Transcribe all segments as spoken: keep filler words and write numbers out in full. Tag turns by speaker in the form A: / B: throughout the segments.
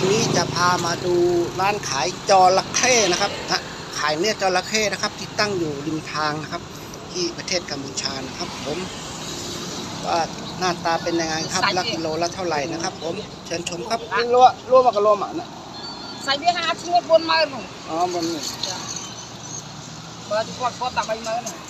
A: วันนี้จะพามาดูร้านขายจระเข้นะครับนะขายเนื้อจระเข้นะครับที่ตั้งอยู่ริมทางนะครับที่ประเทศกัมพูชานะครับผมว่าหน้าตาเป็นยังไงครับละกิโลละเท่าไหร่นะครับผมเชิญชมครับรัวรัวมากระโลหมานะ
B: ใส่เบี้ยห้าชิ้นบนมาหนู
A: อ๋อบนนี้
B: เบอร์ที่กดกดตักไปมาหนู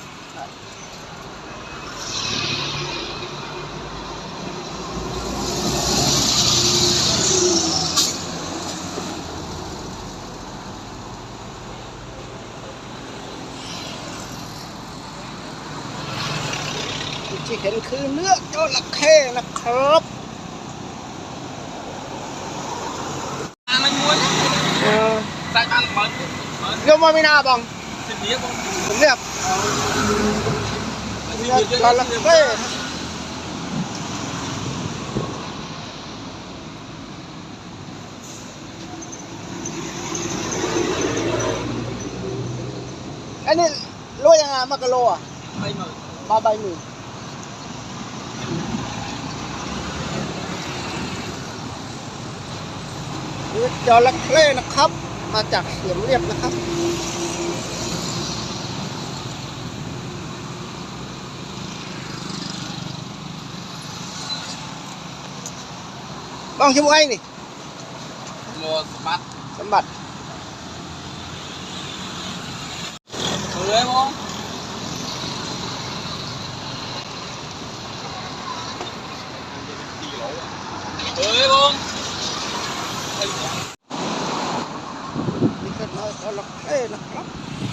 A: ที่เห็นคือเนื้อจระเข้นะครับ
B: มันม้วนใส่กันเหมือน
A: เรียกว่าไม่น่าบัง
B: สิบเบี้ยบง
A: ผมเรียกเนื้อจระเข้อันนี้โลยังไงมากะโลอ่ะ
B: ใบมือ
A: มาใบหนึ่งนี่จระเข้นะครับมาจากเสียมเรียบนะครับบ้องชิมไอ้นี่
B: โมสบัด
A: สมบัติ
B: เลยมั้งเฮ้ยมั้ง
A: นี่ก็น้อยจระเข้นะครับ